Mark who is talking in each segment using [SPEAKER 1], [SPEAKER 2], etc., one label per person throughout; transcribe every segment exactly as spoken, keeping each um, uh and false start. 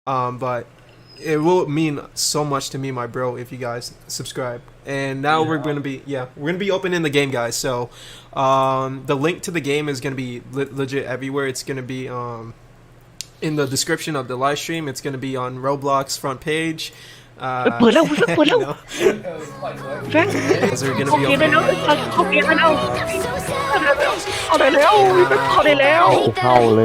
[SPEAKER 1] Um, but it will mean so much to me, my bro, if you guys subscribe. And now yeah. we're gonna be yeah we're gonna be opening the game, guys. So um, the link to the game is gonna be le- legit everywhere. It's gonna be um, in the description of the live stream. It's gonna be on Roblox front page. Uh,
[SPEAKER 2] เปิดแล้วเปิดแล้ว
[SPEAKER 1] you know,
[SPEAKER 2] แฟรงค์
[SPEAKER 1] those are gonna
[SPEAKER 2] เข้า
[SPEAKER 1] be
[SPEAKER 2] เกมได้
[SPEAKER 1] open.
[SPEAKER 2] แล้วเข้าเกมได้แล้วเข้าได้แล้วเข้าได้แล้ว
[SPEAKER 3] เข้าเลย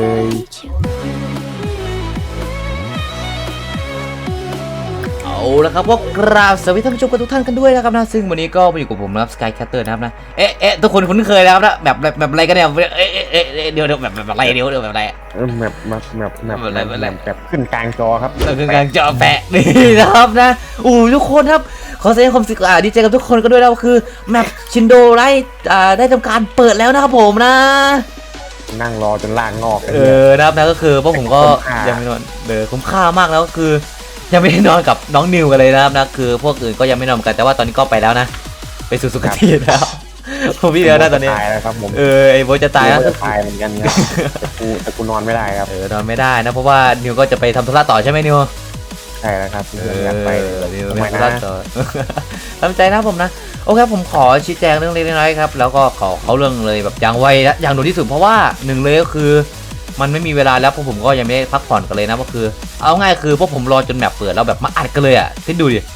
[SPEAKER 4] เอาละครับก็กราบสวัสดีท่านผู้ชมทุกท่านกันด้วยนะครับนะซึ่งวันนี้ก็มาอยู่กับผมนะครับสกายแคทเตอร์นะครับนะเอ๊ะเอ๊ะทุกคนคุ้นเคยแล้วนะแบบแบบแบบอะไรกันเนี่ยเอ๊ะเอ๊ะเอ๊ะเดี๋ยวเดี๋ยวแบบแบบอะไรเดี๋ยวเดี๋ยวแบบอะไร
[SPEAKER 3] แบบแบบแบบแบบแบบแบบขึ้นกลางจอครับ
[SPEAKER 4] คือกลางจอแปะนี่นะครับนะอู้ทุกคนครับขอแสดงความดีใจกับทุกคนกันด้วยนะก็คือแมปชินโดไลอ่าได้ทำการเปิดแล้วนะครับผมนะ
[SPEAKER 3] นั่งรอจนล่างงอก
[SPEAKER 4] เออนะครับนะก็คือพวกผมก็ยังไม่นอนเออคุ้มค่ามากแล้วก็คือยังไม่ได้นอนกับน้องนิวกันเลยนะครับนะคือพวกอื่นก็ยังไม่นอนกันแต่ว่าตอนนี้ก็ไปแล้วนะไปสู่สุคติแล้วผมพี่เดียวนะตอนนี้
[SPEAKER 3] ตายแล้วครับผม
[SPEAKER 4] เออไอ้โบจะตายแล้ว
[SPEAKER 3] ตายเหมือนกันครับแต่กูแต่กูนอนไม่ได้ครับ
[SPEAKER 4] เออนอนไม่ได้นะเพราะว่านิวก็จะไปทำธุระต่อใช่ไหมนิว
[SPEAKER 3] ใช่แล้วครับ
[SPEAKER 4] เออนิวไปทำธุระต่อทำใจนะผมนะโอเคผมขอชี้แจงเรื่องเล็กน้อยครับแล้วก็ขอเขาเรื่องเลยแบบอย่างไวและอย่างด่วนที่สุดเพราะว่าหนึ่งเลยก็คือมันไม่มีเวลาแล้วพวกผมก็ยังไม่ได้พักผ่อนกันเลยนะก็คือเอาง่ายคือพวกผมรอจนแมปเปิดแล้วแบบมาอัดกันเลยอ่ะคิดดูดิ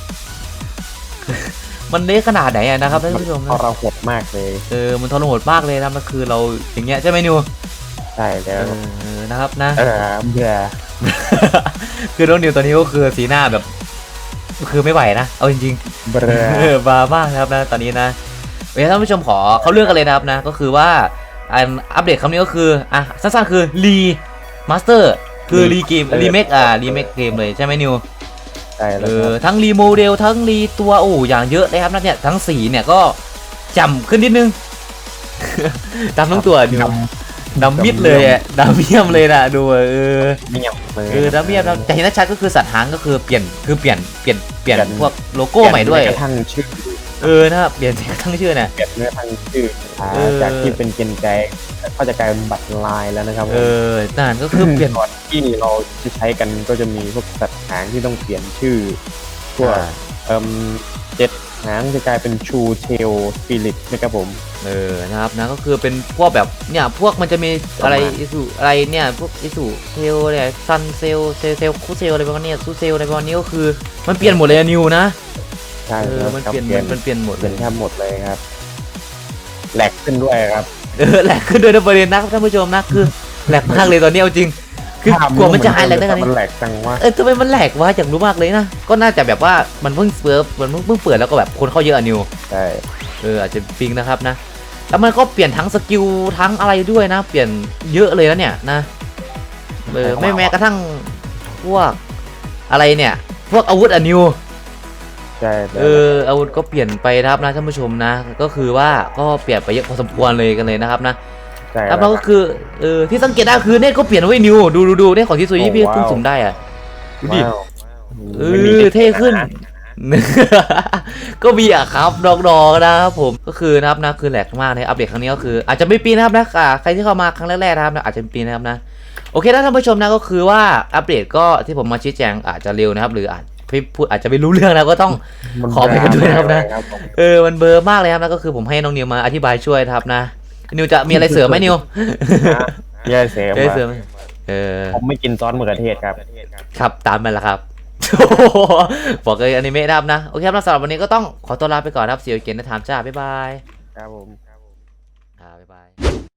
[SPEAKER 4] มันเละขนาดไหนนะครับท่านผู้ชมนะ
[SPEAKER 3] ทรหดมากเลย
[SPEAKER 4] เออมันทรหดมากเลยนะมันคือเราอย่างเงี้ยใช่ไหมนิว
[SPEAKER 3] ใช่แล้ว
[SPEAKER 4] นะครับนะ
[SPEAKER 3] เออเบื่อ
[SPEAKER 4] คือน้องนิวตอนนี้ก็คือสีหน้าแบบคือไม่ไหวนะเอาจริง
[SPEAKER 3] ๆเบื่
[SPEAKER 4] อบ้ามากครับนะตอนนี้นะเดี๋ยวท่านผู้ชมขอเขาเลือกกันเลยนะครับนะก็คือว่าอัปเดตคำนี้ก็คืออ่ะสั้นๆคือรีมาสเตอร์คือรีเกมรีเมคอ่ะรีเมคเกมเลยใช่ไหมนิว
[SPEAKER 3] ใช่แล้ว
[SPEAKER 4] ทั้งรีโมเดลทั้งรีตัวโอ้อย่างเยอะเลยครับนะเนี่ยทั้งสีเนี่ยก็จำขึ้นนิดนึงดำทั้งตัวนิวดำมิดเลยอ่ะดำเมี่ยมเลยนะดูเออ
[SPEAKER 3] เมี่ยมเลย
[SPEAKER 4] เออดำเมี่ยมแต่เห็นชัดก็คือสัตว์หางก็คือเปลี่ยนคือเปลี่ยนเปลี่ยนเปลี่ยนพวกโลโก้ใหม่ด้วย
[SPEAKER 3] กระทั่งชื่อ
[SPEAKER 4] เออนะครับเปลี่ยนทั้งชื่อเนี่ย
[SPEAKER 3] เปลี่ยนเนื้อทั้งชื่อจากที่เป็นเกนใจก็จะกลายเป็นบัตรลายแล้วนะครับ
[SPEAKER 4] เออนั่นก็คือเปลี่ยน
[SPEAKER 3] ก่อนที่เราจะใช้กันก็จะมีพวกสัตว์หางที่ต้องเปลี่ยนชื่อพวกเอ่อเจ็ดหางจะกลายเป็นชูเทลสปิริตนะครับผม
[SPEAKER 4] เออนะครับนะก็คือเป็นพวกแบบเนี่ยพวกมันจะมีอะไรอิสุอะไรเนี่ยพวกอิสุเทลเนี่ยซันเซลเซลเซลคูเซลอะไรประมาณนี้ซูเซลอะไรประมาณนี้ก็คือมันเปลี่ยนหมดเลยนิวนะ
[SPEAKER 3] ใช่
[SPEAKER 4] มันเปลี่ยนมันเปลี่ยนหมด
[SPEAKER 3] เป็นแทบหมดเลยครับแหลกขึ้นด้วยครับ
[SPEAKER 4] เออแหลกขึ้นด้วยนะประเด็นนะท่านผู้ชมนะคือแหลกมากเลยตอนนี้เอาจริงคือกลัวมันจะหายแหลกได้ไง
[SPEAKER 3] มันแหลกจังวะ
[SPEAKER 4] เออทำไมมันแหลกวะอยากรู้มากเลยนะก็น่าจะแบบว่ามันเพิ่งเปิดมันเพิ่งเปิดแล้วก็แบบคนเข้าเยอะนิว
[SPEAKER 3] ใช่
[SPEAKER 4] เอออาจจะปิงนะครับนะแล้วมันก็เปลี่ยนทั้งสกิลทั้งอะไรด้วยนะเปลี่ยนเยอะเลยนะเนี่ยนะเออไม่แม้กระทั่งพวกอะไรเนี่ยพวกอาวุธอะนิว
[SPEAKER 3] ใช่
[SPEAKER 4] เอออาวุธก็เปลี่ยนไปนะครับนะท่านผู้ชมนะก็คือว่าก็เปลี่ยนไปเยอะพอสมควรเลยกันเลยนะครับนะแล้วเราก็คือเออที่สังเกตได้คือเน็ตก็เปลี่ยนไว้นิวดูดูดูเน็ตของที่ซุยพี่เพิ่งสุ่มได้อ่ะดูดิเออเท่ขึ้นก็มีอ่ะครับน้องๆนะครับผมก็คือนะครับนะคือแหลกมากในอัปเดตครั้งนี้ก็คืออาจจะไม่ปีนะครับนะใครที่เข้ามาครั้งแรกๆนะครับอาจจะปีนะครับนะโอเคนะท่านผู้ชมนะก็คือว่าอัปเดตก็ที่ผมมาชี้แจงอาจจะเร็วนะครับหรืออาจพี่พูดอาจจะไม่รู้เรื่องนะก็ต้องขอไปกันด้วยนะครับนะเออมันเบอร์มากเลยครับนะก็คือผมให้น้องนิวมาอธิบายช่วยครับนะนิวจะมีอะไรเสริมไหมนิว
[SPEAKER 3] เยอะเสริม
[SPEAKER 4] เสริมเออ
[SPEAKER 3] ผมไม่กินซอสมะเขือเทศครับ
[SPEAKER 4] ครับตามมันละครับบอกเลยอนิเมะนะครับนะโอเคครับสำหรับวันนี้ก็ต้องขอตัวลาไปก่อนครับเสียวเกนนะถามจ้าบ๊ายบาย
[SPEAKER 3] ครับผม
[SPEAKER 4] ครับบ๊ายบาย